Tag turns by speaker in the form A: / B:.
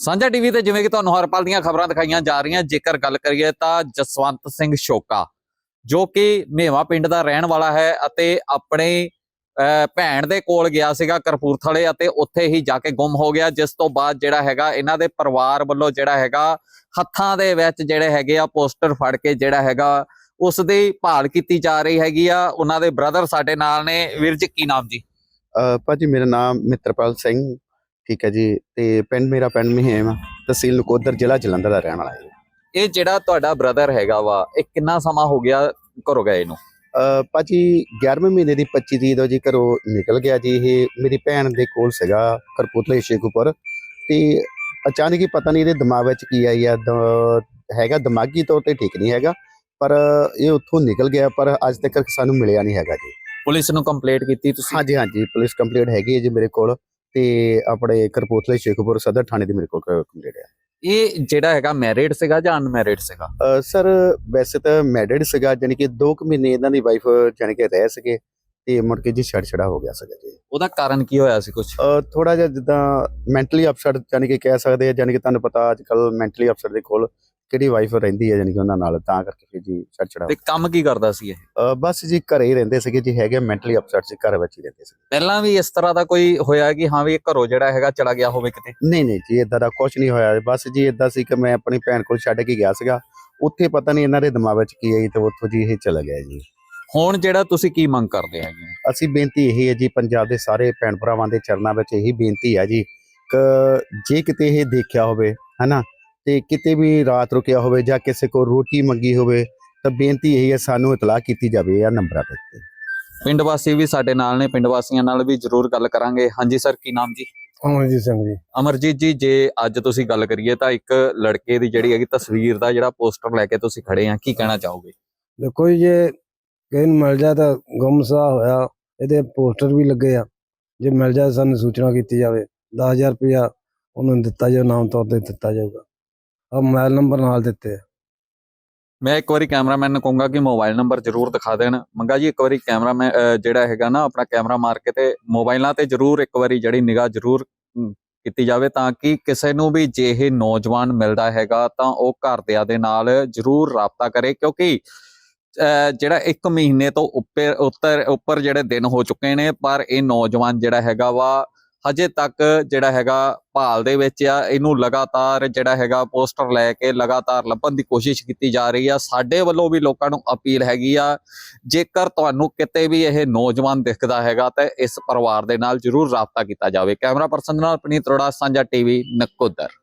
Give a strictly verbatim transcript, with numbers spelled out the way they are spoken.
A: ਸਾਂਝਾ ਟੀਵੀ ਤੇ ਜਿਵੇਂ ਕਿ ਤੁਹਾਨੂੰ ਹਰ ਪਲ ਦੀਆਂ ਖਬਰਾਂ ਦਿਖਾਈਆਂ ਜਾ ਰਹੀਆਂ। ਜੇਕਰ ਗੱਲ ਕਰੀਏ ਤਾਂ ਜਸਵੰਤ ਸਿੰਘ ਸ਼ੋਕਾ ਜੋ ਕਿ ਮੇਵਾ ਪਿੰਡ ਦਾ ਰਹਿਣ ਵਾਲਾ ਹੈ ਅਤੇ ਆਪਣੇ ਭੈਣ ਦੇ ਕੋਲ ਗਿਆ ਸੀਗਾ ਕਰਪੂਰਥਲੇ ਅਤੇ ਉੱਥੇ ਹੀ ਜਾ ਕੇ ਗੁੰਮ ਹੋ ਗਿਆ, ਜਿਸ ਤੋਂ ਬਾਅਦ ਜਿਹੜਾ ਹੈਗਾ ਇਹਨਾਂ ਦੇ ਪਰਿਵਾਰ ਵੱਲੋਂ ਜਿਹੜਾ ਹੈਗਾ ਹੱਥਾਂ ਦੇ ਵਿੱਚ ਜਿਹੜੇ ਹੈਗੇ ਆ ਪੋਸਟਰ ਫੜ ਕੇ ਜਿਹੜਾ ਹੈਗਾ ਉਸ ਦੀ ਭਾਲ ਕੀਤੀ ਜਾ ਰਹੀ ਹੈਗੀ ਆ। ਉਹਨਾਂ ਦੇ ਬ੍ਰਦਰ ਸਾਡੇ ਨਾਲ ਨੇ। ਵੀਰ ਜੀ ਕੀ ਨਾਮ ਜੀ?
B: ਭਾਜੀ ਮੇਰਾ ਨਾਮ ਮਿੱਤਰਪਾਲ ਸਿੰਘ, ਠੀਕ ਹੈ ਜੀ। ਤੇ ਪਿੰਡ ਮੇਰਾ ਪਿੰਡ ਮਹੀਮ, ਤਹਿਸੀਲ ਨਕੋਦਰ, ਜ਼ਿਲ੍ਹਾ ਜਲੰਧਰ ਦਾ ਰਹਿਣ ਵਾਲਾ ਹੈ।
A: ਇਹ ਜਿਹੜਾ ਤੁਹਾਡਾ ਬ੍ਰਦਰ ਹੈਗਾ ਵਾ, ਇਹ ਕਿੰਨਾ ਸਮਾਂ ਹੋ ਗਿਆ ਘਰੋਂ ਗਏ ਨੂੰ?
B: ਭਾਜੀ ਗਿਆਰਵੇਂ ਮਹੀਨੇ ਦੀ ਪੱਚੀ ਤਰੀਕ ਤੋਂ ਜੀ ਘਰੋਂ ਨਿਕਲ ਗਿਆ ਜੀ। ਇਹ ਮੇਰੀ ਭੈਣ ਦੇ ਕੋਲ ਸੀਗਾ ਕਰਪੂਰਥਲੇ ਸ਼ੇਖੂਪੁਰ, ਤੇ ਅਚਾਨਕ ਹੀ ਪਤਾ ਨਹੀਂ ਇਹਦੇ ਦਿਮਾਗ ਵਿੱਚ ਕੀ ਆਈ ਆ, ਹੈਗਾ ਦਿਮਾਗੀ ਤੌਰ ਤੇ ਠੀਕ ਨਹੀਂ ਹੈਗਾ, ਪਰ ਇਹ ਉੱਥੋਂ ਨਿਕਲ ਗਿਆ, ਪਰ ਅੱਜ ਤੱਕ ਸਾਨੂੰ ਮਿਲਿਆ ਨਹੀਂ ਹੈਗਾ ਜੀ।
A: ਪੁਲਿਸ ਨੂੰ ਕੰਪਲੇਂਟ ਕੀਤੀ ਤੁਸੀਂ?
B: ਹਾਂਜੀ ਹਾਂਜੀ, ਪੁਲਿਸ ਕੰਪਲੇਂਟ ਹੈਗੀ ਹੈ ਜੀ ਮੇਰੇ ਕੋਲ, ਤੇ ਆਪਣੇ ਕਰਪੂਰਥਲੇ ਸ਼ੇਖੂਪੁਰ ਸਦਰ ਥਾਣੇ ਦੀ ਮੇਰੇ ਕੋਲ ਕੰਪਲੇਂਟ ਹੈ। ਇਹ
A: ਜਿਹੜਾ ਹੈਗਾ ਮੈਰਿਡ ਸੀਗਾ ਜਾਂ ਅਨਮੈਰਿਡ ਸੀਗਾ?
B: ਸਰ ਵੈਸੇ ਤਾਂ ਮੈਰਿਡ ਸੀਗਾ, ਜਾਨੀ ਕਿ ਦੋ ਕੁ ਮਹੀਨੇ ਇਹਨਾਂ ਦੀ ਵਾਈਫ ਜਾਨੀ ਕਿ ਰਹਿ ਸਕੇ, ਤੇ ਮੁੜ ਕੇ ਜੀ ਛੜ ਛੜਾ ਹੋ ਗਿਆ ਸੀਗਾ ਜੀ।
A: ਉਹਦਾ ਕਾਰਨ ਕੀ ਹੋਇਆ ਸੀ? ਕੁਝ
B: ਥੋੜਾ ਜਿਹਾ ਜਿੱਦਾਂ ਮੈਂਟਲੀ ਅਪਸੈਟ ਜਾਨੀ ਕਿ ਕਹਿ ਸਕਦੇ ਆ, ਜਾਨੀ ਕਿ ਤੁਹਾਨੂੰ ਪਤਾ ਅੱਜ ਕੱਲ ਮੈਂਟਲੀ ਅਪਸੈਟ ਦੇ ਕੋਲ ਕਿਹੜੀ ਵਾਈਫ ਰਹਿੰਦੀ ਹੈ ਜਾਨੀ ਕਿ ਉਹਨਾਂ ਨਾਲ, ਤਾਂ ਕਰਕੇ ਫਿਰ ਜੀ ਛੜ ਛੜਾ।
A: ਤੇ ਕੰਮ ਕੀ ਕਰਦਾ ਸੀ ਇਹ?
B: ਬਸ ਜੀ ਘਰੇ ਹੀ ਰਹਿੰਦੇ ਸੀਗੇ ਜੀ, ਹੈਗੇ ਮੈਂਟਲੀ ਅਪਸੈਟ ਸੀ, ਘਰ ਵਿੱਚ ਹੀ ਰਹਿੰਦੇ ਸੀ।
A: ਪਹਿਲਾਂ ਵੀ ਇਸ ਤਰ੍ਹਾਂ ਦਾ ਕੋਈ ਹੋਇਆ ਕਿ ਹਾਂ ਵੀ ਇਹ ਘਰੋਂ ਜਿਹੜਾ ਹੈਗਾ ਚਲਾ ਗਿਆ ਹੋਵੇ ਕਿਤੇ?
B: ਨਹੀਂ ਨਹੀਂ ਜੀ, ਇਦਾਂ ਦਾ ਕੁਝ ਨਹੀਂ ਹੋਇਆ। ਬਸ ਜੀ ਇਦਾਂ ਸੀ ਕਿ ਮੈਂ ਆਪਣੀ ਭੈਣ ਕੋਲ ਛੱਡ ਕੇ ਗਿਆ ਸੀਗਾ, ਉੱਥੇ ਪਤਾ ਨਹੀਂ ਇਹਨਾਂ ਦੇ ਦਿਮਾਗ ਵਿੱਚ ਕੀ ਆਈ ਤੇ ਉੱਥੋਂ ਜੀ ਇਹ ਚਲਾ ਗਿਆ ਜੀ।
A: ਹੁਣ ਜਿਹੜਾ ਤੁਸੀਂ ਕੀ ਮੰਗ ਕਰਦੇ ਹੈਗੇ?
B: ਅਸੀਂ ਬੇਨਤੀ ਇਹੀ ਹੈ ਜੀ, ਪੰਜਾਬ ਦੇ ਸਾਰੇ ਭੈਣ ਭਰਾਵਾਂ ਦੇ ਚਰਨਾਂ ਵਿੱਚ ਇਹੀ ਬੇਨਤੀ ਹੈ ਜੀ ਕਿ ਜੇ ਕਿਤੇ ਇਹ ਦੇਖਿਆ ਹੋਵੇ ਹਨਾ, ਤੇ ਕਿਤੇ ਵੀ ਰਾਤ ਰੁਕਿਆ ਹੋਵੇ ਜਾਂ ਕਿਸੇ ਕੋਲ ਰੋਟੀ ਮੰਗੀ ਹੋਵੇ, ਤਾਂ ਬੇਨਤੀ ਇਹੀ ਹੈ ਸਾਨੂੰ ਇਤਲਾਹ ਕੀਤੀ ਜਾਵੇ ਇਹ ਨੰਬਰਾਂ ਤੇ।
A: ਪਿੰਡ ਵਾਸੀ ਵੀ ਸਾਡੇ ਨਾਲ ਨੇ, ਪਿੰਡ ਵਾਸੀਆਂ ਨਾਲ ਵੀ ਜ਼ਰੂਰ ਗੱਲ ਕਰਾਂਗੇ। ਹਾਂਜੀ ਸਰ, ਕੀ ਨਾਮ ਜੀ?
C: ਅਮਰਜੀਤ ਸਿੰਘ ਜੀ।
A: ਅਮਰਜੀਤ ਜੀ, ਜੇ ਅੱਜ ਤੁਸੀਂ ਗੱਲ ਕਰੀਏ ਤਾਂ ਇੱਕ ਲੜਕੇ ਦੀ ਜਿਹੜੀ ਹੈਗੀ ਤਸਵੀਰ ਦਾ ਜਿਹੜਾ ਪੋਸਟਰ ਲੈ ਕੇ ਤੁਸੀਂ ਖੜੇ ਆ, ਕੀ ਕਹਿਣਾ ਚਾਹੋਗੇ?
C: ਦੇਖੋ ਜੀ, ਜੇ ਕਿਸੇ ਨੂੰ ਮਿਲ ਜਾ ਤਾਂ ਗੁੰਮਸਾ ਹੋਇਆ, ਇਹਦੇ ਪੋਸਟਰ ਵੀ ਲੱਗੇ ਆ, ਜੇ ਮਿਲ ਜਾ ਸਾਨੂੰ ਸੂਚਨਾ ਕੀਤੀ ਜਾਵੇ, ਦਸ ਹਜ਼ਾਰ ਰੁਪਇਆ ਉਹਨੂੰ ਦਿੱਤਾ ਜਾਊ, ਨਾਮ ਤੌਰ ਤੇ ਦਿੱਤਾ ਜਾਊਗਾ। ਆ ਮੋਬਾਈਲ ਨੰਬਰ ਨਾਲ ਦਿੱਤੇ ਆ।
A: ਮੈਂ ਇੱਕ ਵਾਰੀ ਕੈਮਰਾਮੈਨ ਨੂੰ ਕਹੂੰਗਾ ਕਿ ਮੋਬਾਈਲ ਨੰਬਰ ਜ਼ਰੂਰ ਦਿਖਾ ਦੇਣ। ਮੰਗਾ ਜੀ ਇੱਕ ਵਾਰੀ ਕੈਮਰਾਮੈਨ ਜਿਹੜਾ ਹੈਗਾ ਨਾ ਆਪਣਾ ਕੈਮਰਾ ਮਾਰ ਕੇ ਤੇ ਮੋਬਾਈਲਾਂ ਤੇ ਜ਼ਰੂਰ ਇੱਕ ਵਾਰੀ ਜਿਹੜੀ ਨਿਗਾਹ ਜ਼ਰੂਰ ਕੀਤੀ ਜਾਵੇ, ਤਾਂ ਕਿ ਕਿਸੇ ਨੂੰ ਵੀ ਜੇ ਇਹ ਨੌਜਵਾਨ ਮਿਲਦਾ ਹੈਗਾ ਤਾਂ ਉਹ ਘਰਦਿਆਂ ਦੇ ਨਾਲ ਜ਼ਰੂਰ ਰਾਬਤਾ ਕਰੇ, ਕਿਉਂਕਿ ਜਿਹੜਾ ਇੱਕ ਮਹੀਨੇ ਤੋਂ ਉੱਪਰ ਉੱਤਰ ਉੱਪਰ ਜਿਹੜੇ ਦਿਨ ਹੋ ਚੁੱਕੇ ਨੇ, ਪਰ ਇਹ ਨੌਜਵਾਨ ਜਿਹੜਾ ਹੈਗਾ ਵਾ ਹਜੇ ਤੱਕ ਜਿਹੜਾ ਹੈਗਾ ਭਾਲ ਦੇ ਵਿੱਚ ਆ। ਇਹਨੂੰ ਲਗਾਤਾਰ ਜਿਹੜਾ ਹੈਗਾ ਪੋਸਟਰ ਲੈ ਕੇ ਲਗਾਤਾਰ ਲੱਭਣ ਦੀ ਕੋਸ਼ਿਸ਼ ਕੀਤੀ ਜਾ ਰਹੀ ਆ। ਸਾਡੇ ਵੱਲੋਂ ਵੀ ਲੋਕਾਂ ਨੂੰ ਅਪੀਲ ਹੈਗੀ ਆ, ਜੇਕਰ ਤੁਹਾਨੂੰ ਕਿਤੇ ਵੀ ਇਹ ਨੌਜਵਾਨ ਦਿਖਦਾ ਹੈਗਾ ਤਾਂ ਇਸ ਪਰਿਵਾਰ ਦੇ ਨਾਲ ਜ਼ਰੂਰ ਰਾਬਤਾ ਕੀਤਾ ਜਾਵੇ। ਕੈਮਰਾ ਪਰਸਨ ਨਾਲ ਪਨੀਤ ਅਰੋੜਾ, ਸਾਂਝਾ ਟੀਵੀ, ਨਕੋਦਰ।